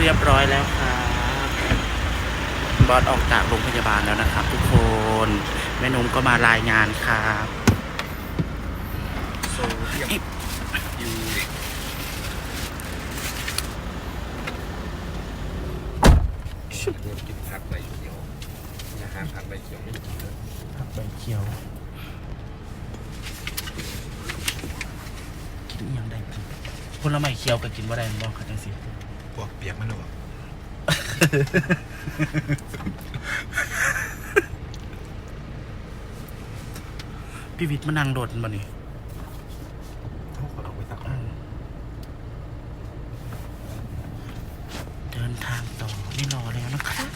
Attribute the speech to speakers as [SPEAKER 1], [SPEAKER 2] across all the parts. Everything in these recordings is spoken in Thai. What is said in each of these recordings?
[SPEAKER 1] รียบร้อยแล้วครับบอสออกจากโรงพยาบาลแล้วนะครับทุกคนแม่นุ่มก็มารายงานครับ
[SPEAKER 2] โซเดียมยูริกกินผักใบเขียวอาหารผักใบเขียวไม่กินเลย
[SPEAKER 1] ผักใบเขียวกินอหย่างใดกินผลไม้เขียวก็กินว่าได้บ้างครับจังสิ
[SPEAKER 2] พวกเปียกมันหรอ
[SPEAKER 1] พี่วิทย์มานั่งโดดมานี่
[SPEAKER 2] เขาขอเราไปตัก
[SPEAKER 1] เดินทางต่อนี่รอแล้วนะครับ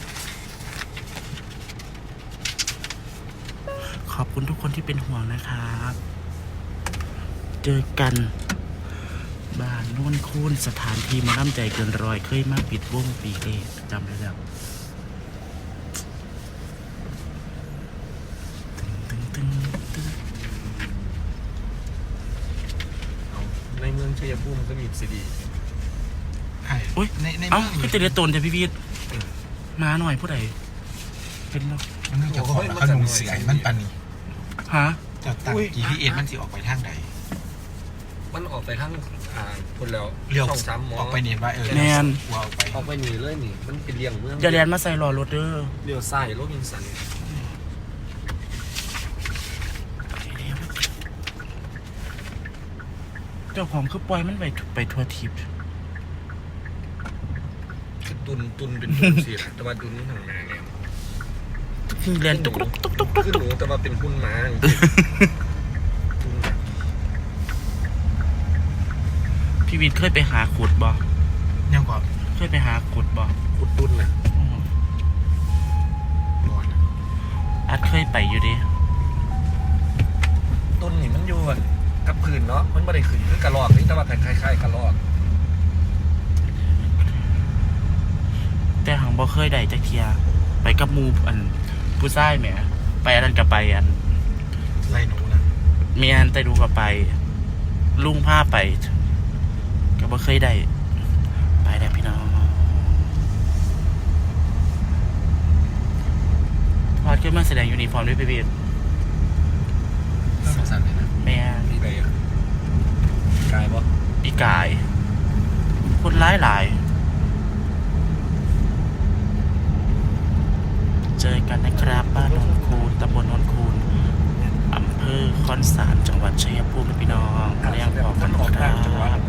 [SPEAKER 1] ขอบคุณทุกคนที่เป็นห่วงนะครับเจอกันบ้านโน่นคูนสถานที่มาล่ำใจเกินร้อยเคยมาปิดวงปีเอจำได้แล้วตึงตึงตึง
[SPEAKER 2] ในเมืองชัยภูมิก็มีซีดี
[SPEAKER 1] โอ้ย
[SPEAKER 2] ใน
[SPEAKER 1] เอ้า
[SPEAKER 2] เมือง
[SPEAKER 1] คือเตเลโตนแต่พี่วิทย์มาหน่อยผู้ใดเป็นเนาะ
[SPEAKER 3] มันเกี่ยวกับขนมเสียมันปันนี่
[SPEAKER 1] ฮะ
[SPEAKER 3] จะตั้ง GPS มันสิออกไปทางใด
[SPEAKER 2] มันออกไปทางคนแล้ว
[SPEAKER 3] เลี้ยว
[SPEAKER 2] ช่องซ้ำหมอ
[SPEAKER 3] ออกไปเนียนว่าว่าออกไป
[SPEAKER 2] ออกไปหนีเลยนี่มันเป็นเลี้ยงเมือง
[SPEAKER 1] อย่าเรียนมาใส่รอรถเด้อ
[SPEAKER 2] เลี้ยวซ้ายโรบินสัน
[SPEAKER 1] เจ้าของคือปล่อยมันไปทัวร์ทิพย์
[SPEAKER 2] คือตุนเป็นตุนสิล่ะแต่ว่าตุนทางนาเนี่ย
[SPEAKER 1] เรียนตุ๊กตุ๊กตุ๊กตุ๊กตุ๊ก
[SPEAKER 2] คือ
[SPEAKER 1] ตุ๊
[SPEAKER 2] ห
[SPEAKER 1] ก
[SPEAKER 2] นูแต่ว่าเป็นหุ้นม้าตุน
[SPEAKER 1] พี่วิทย์เคยไปหาขุดบ่
[SPEAKER 3] ยังก่อน
[SPEAKER 1] เคยไปหาขุดบ่
[SPEAKER 2] ขุดตุนน่ะ
[SPEAKER 1] อัดเคยไปอยู่ดิ
[SPEAKER 2] ตุนนี่มันอยู่กับพื้นเนาะมันไม่ได้ขึ้นคือกระรอกนี่แต่ว่าคล้ายๆกระรอก
[SPEAKER 1] แต่หังบ่เคยได้จักเทียไปกับหมูอันผู้ชายแหมไปอันนั้นก็ไปอัน
[SPEAKER 3] ไล่หนูนะ
[SPEAKER 1] เมียนแต่ดูก็ไป ลุงพาไปก็บ่เคยได้ไปได้พี่น้องพอดขึ้นมาแสดงยูนิฟอร์มด้วยพี่วิทย์
[SPEAKER 3] สงสารเลยนะ
[SPEAKER 1] แม่น
[SPEAKER 2] มีไปกายบ่
[SPEAKER 1] ปีกาย คนร้ายหลาย เจอกันนะครับบ้านโนนคูนตำบลโนนคูนอำเภอคอนสารจังหวัดชัยภูมิพี่น้องเรียงพอกันครับ